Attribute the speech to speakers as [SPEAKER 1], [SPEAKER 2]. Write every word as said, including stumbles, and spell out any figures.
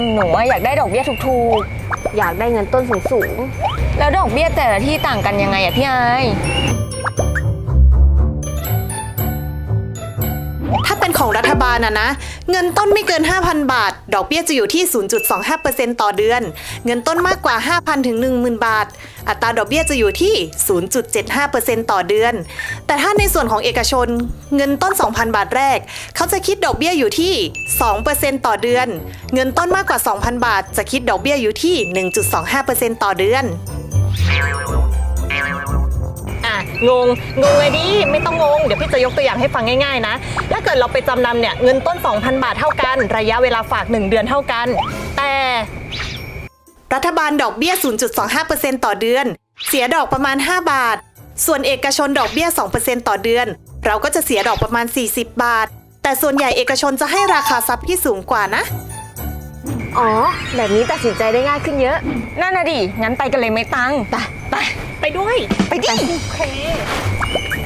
[SPEAKER 1] หนูอยากได้ดอกเบี้ยถูก
[SPEAKER 2] อยากได้เงินต้นสูง
[SPEAKER 1] ๆแล้วดอกเบี้ยแต่ละที่ต่างกันยังไงอะพี่ไอ
[SPEAKER 3] ถ้าเป็นของรัฐบาลนะนะเงินต้นไม่เกิน ห้าพัน บาทดอกเบี้ยจะอยู่ที่ ศูนย์จุดสองห้าเปอร์เซ็นต์ ต่อเดือนเงินต้นมากกว่า ห้าพัน ถึง หนึ่งหมื่น บาทอัตราดอกเบี้ยจะอยู่ที่ ศูนย์จุดเจ็ดห้าเปอร์เซ็นต์ ต่อเดือนแต่ถ้าในส่วนของเอกชนเงินต้น สองพัน บาทแรกเขาจะคิดดอกเบี้ยอยู่ที่ สองเปอร์เซ็นต์ ต่อเดือนเงินต้นมากกว่า สองพัน บาทจะคิดดอกเบี้ยอยู่ที่ หนึ่งจุดสองห้าเปอร์เซ็นต์ ต่อเดือน
[SPEAKER 4] อ่ะงงงงเลยดิไม่ต้องงงเดี๋ยวพี่จะยกตัวอย่างให้ฟังง่ายๆนะถ้าเกิดเราไปจำนำเนี่ยเงินต้น สองพัน บาทเท่ากันระยะเวลาฝากหนึ่งเดือนเท่ากันแต่
[SPEAKER 3] รัฐบาลดอกเบี้ย ศูนย์จุดสองห้าเปอร์เซ็นต์ ต่อเดือนเสียดอกประมาณ ห้า บาทส่วนเอกชนดอกเบี้ย สองเปอร์เซ็นต์ ต่อเดือนเราก็จะเสียดอกประมาณ สี่สิบ บาทแต่ส่วนใหญ่เอกชนจะให้ราคาทรัพย์ที่สูงกว่านะ
[SPEAKER 2] ๆ อ๋อ แบบนี้ตัดสินใจได้ง่ายขึ้นเยอะ
[SPEAKER 1] นั่นน่ะดิงั้นไปกันเลยไหมตัง
[SPEAKER 2] ไป
[SPEAKER 1] ไป
[SPEAKER 4] ไปด้วย
[SPEAKER 1] ไปดิ
[SPEAKER 4] โอเค